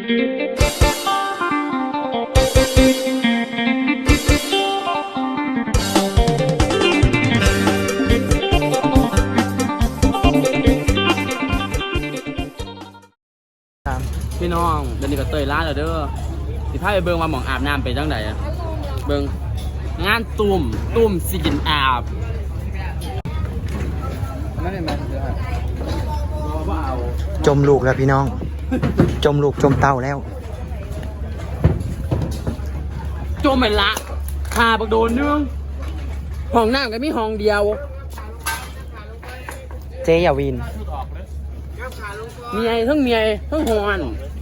พี่น้องเดี๋ยวนี้ก็เตยร้านแล้วเด้อสิพาไปเบิ่งว่าหม่องอาบน้ำไปจังไดอะเบิ่งงานตุ่มสิกินอาบไม่ได้มาเด้อว่าเอาจมลูกแล้วพี่น้อง จมลูกจมเต้าแล้วจมไปละคาบักโดนนึงห้องน้ำก็มีห้องเดียวเจยาวินเมียทั้งเมียทั้งหอน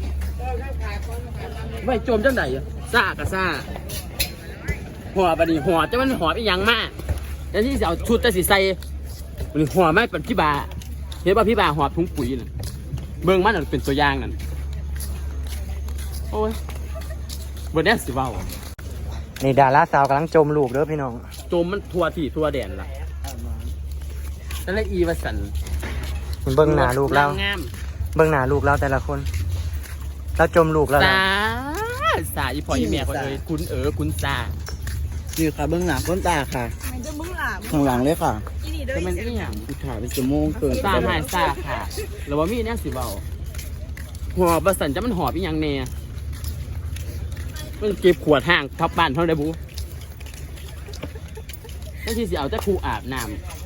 ไว้จมจังไดอะซ่ากะซ่าหัวบัดนี้หัวจะมันหัวอีหยังมากแล้วที่จะเอาชุดแต่สิใส่บัดนี้หัวไม่เป็นพี่บาเห็นป่ะพี่บาหัวถุงปุ๋ยน่ะเบิ่งมันเป็นตัวอย่างนั่นโอ้ยบ่ได้สิเว้านี่ดาราสาวกำลังจมลูกเด้อพี่น้องจมมันทั่วที่ทั่วแดนล่ะนั่นแหละอีวสันเบิ่งหน้าลูกเราเบิ่งหน้าลูกเราแต่ละคนเราจมลูกแล้วสาอีพ่ออีแม่เขาเลยคุณซานี่ค่ะเบื้องหลังก้นตาค่ะข้างหลังเลยค่ะก็มันนี่อย่างกูถ่ายเป็นชั่วโมงเกินซาหายซาค่ะแล้วว่ามีเนี่ยสิเบาหอบประสันจะมันหอบอีหยังแน่มันเก็บขวดห่างทับบ้านเท่าไรบูนั่นที่สิเอาจะครูอาบน้ำ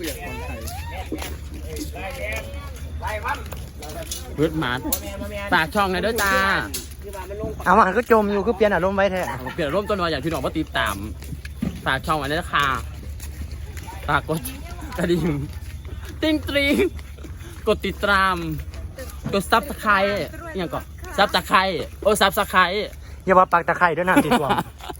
เพื่อนหมาปากช่องไงด้วยจ้าเอามันก็จมอยู่ก็เปลี่ยนอารมณ์ไว้แท้เปลี่ยนอารมณ์ตัวน้อยอย่างที่น้องว่าตีตามปากช่องอันนี้ค่ะปากกดกระดิ่งติ้งตรีกดติดตามกดซับสไครต์อย่างก่อนซับสไครต์ซับสไครต์อย่าว่าปากตะไคร้ด้วยนะติดตัว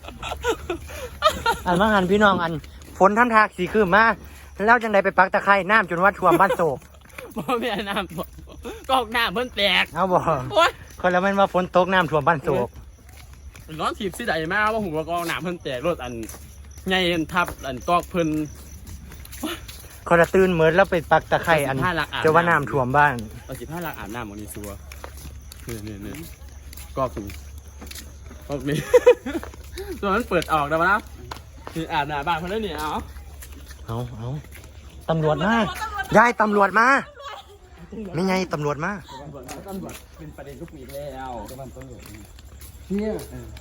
อันว่าหันพี่น้องอันฝนท่านทากสีคืนมาแล้วจังใดไปปักตะไคร้น้ำจนว่าท่วมบ้านโศกบ่แม่น้ำก็น้ำเพิ่นแตกเอาบ่คนแล้วมันว่าฝนตกน้ำท่วมบ้านโศกร้อนถีบสิใดมาว่าหัวกองน้ำเพิ่นแตกรถอันใหญ่ทับอันกอกเพิ่นคนละตื่นเหมือนแล้วไปปักตะไคร้อันจะว่าน้ำท่วมบ้านเอา15 ลักอาบน้ำของนี่ซัวนี่กอกนี่ตัวนั้นเปิดออกแล้วนะคืออาบน้ำบ้านเพิ่นแล้วนี่เอาตำรวจมายายตำรวจมาไม่ไงตำรวจมาเป็นประเด็นทุกปีแล้วเนี่ย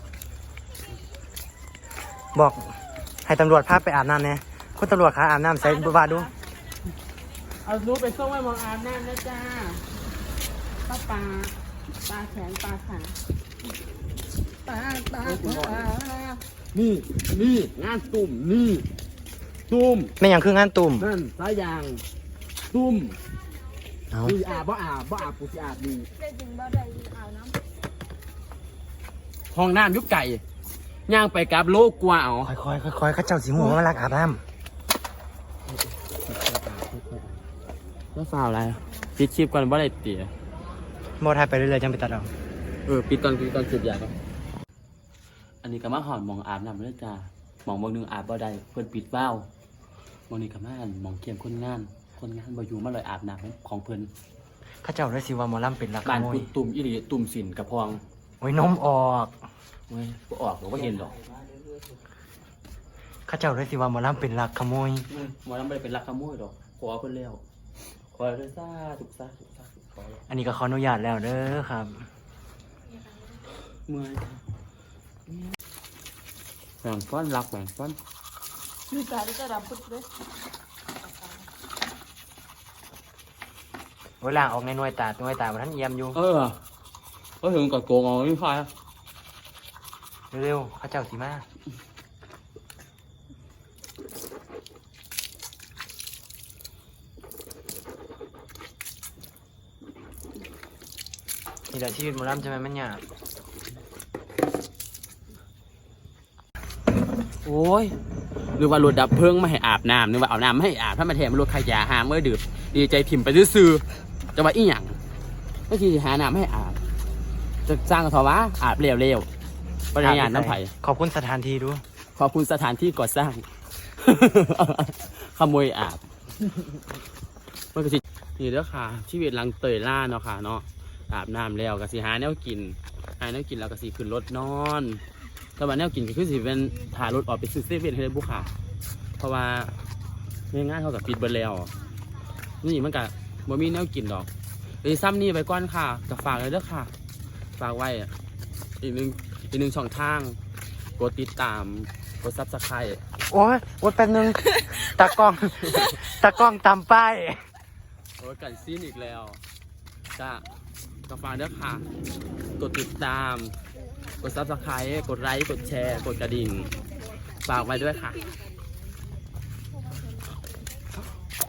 บอกให้ตำรวจพาไปอาบน้ำเนี่ยคุณตำรวจคะอาบน้ำใส่บุบาดูเอารู้ไปส่งไว้มองอาบน้ำนะจ้าปลาแขนปลาขาปลานี่งานตุ่มนี่ตุ่มไม่อย่างคืองานตุ่มนั่นสายยางตุ่มดีอาบบ่อาบกูสิอาบดีห้องน้ำยุกไก่ย่างไปกับโลกกว่าเอาค่อยข้าเจ้าสีหัวมาลักอาบน้ำแล้วฟาวอะไรปิดคลิปก่อนว่าอะไรเตี๋ยโมทายไปเรื่อยๆจังไปตัดเอาปิดตอนจุดยาครับอันนี้ก็มาหอดมองอาบน้ำเลยจ้ามองบางนึงอาบบ่ได้เพื่อนปิดว้าวมองนี่ก็มามองเกี่ยมคนงานบ่อยู่มาเลยอาบน้ำของเพื่อนข้าเจ้าได้สิว่าหมอลำเป็นรักขโมยตุ่มอีหลีตุ่มสินกระพองโอ้ยนมออกโอ้ยออกผมก็เห็นหรอกข้าเจ้าได้สิว่าหมอลำเป็นรักขโมยหมอลำไม่ได้เป็นรักขโมยหรอกขอเพื่อนแล้วขอเลยซ่าถูกอันนี้ก็ขออนุญาตแล้วเด้อครับเมื่อยแบ่งฟ้อนรักแบ่งฟ้อนมีการที่จะรับพุทธเลยเวลาออกในหน่วยตามันท่านเยี่ยมอยู่ก็ถึงกับโกงเอาไม่พายเร็วข้าเจ้าสีมานี่แหละชีวิตหมอลำใช่ไหมมันยากโอ้ยนึกว่ารถดับเพลิงไม่ให้อาบน้ำนึกว่าเอาน้ำไม่ให้อาบถ้ามาแถมรถขยะหาเมื่อดื่มดีใจถิ่มไปซื้อจะว่าอีหยังเมื่อกี้หาน้ำให้อาบจะสร้างทว่าอาบเร็วๆปริญญาน้ำไผ่ขอบคุณสถานที่ด้วยขอบคุณสถานที่ก่อสร้างขโมยอาบมันก็สินี่เด้อค่ะชีวิตหลังเตยล่าเนาะค่ะเนาะอาบน้ำแล้วก็สิหาแนวกินหาแนวกินแล้วก็สิขึ้นรถนอนแต่ว่าแนวกินก็คือสิเป็นถ่ายรถออกไปซื้อเซเว่นให้ได้บุค่ะเพราะว่าง่ายๆเท่ากับปิดเบอร์แล้วนี่มันก็บ่มีแนวกินดอกเลยซ้ำนี่ไปก่อนค่ะกับฝากเลยเด้อค่ะฝากไว้อีกหนึ่งช่องทางกดติดตามกดซับสไครต์โอ้ยโอ๊ยแป๊บนึงตากล้อง ตากล้องตามป้ายโอ้ยกันซีนอีกแล้วจ้ากับฝากเด้อค่ะกดติดตามกดซับสไครต์กดไลค์กดแชร์กดกระดิ่งฝากไว้ด้วยค่ะ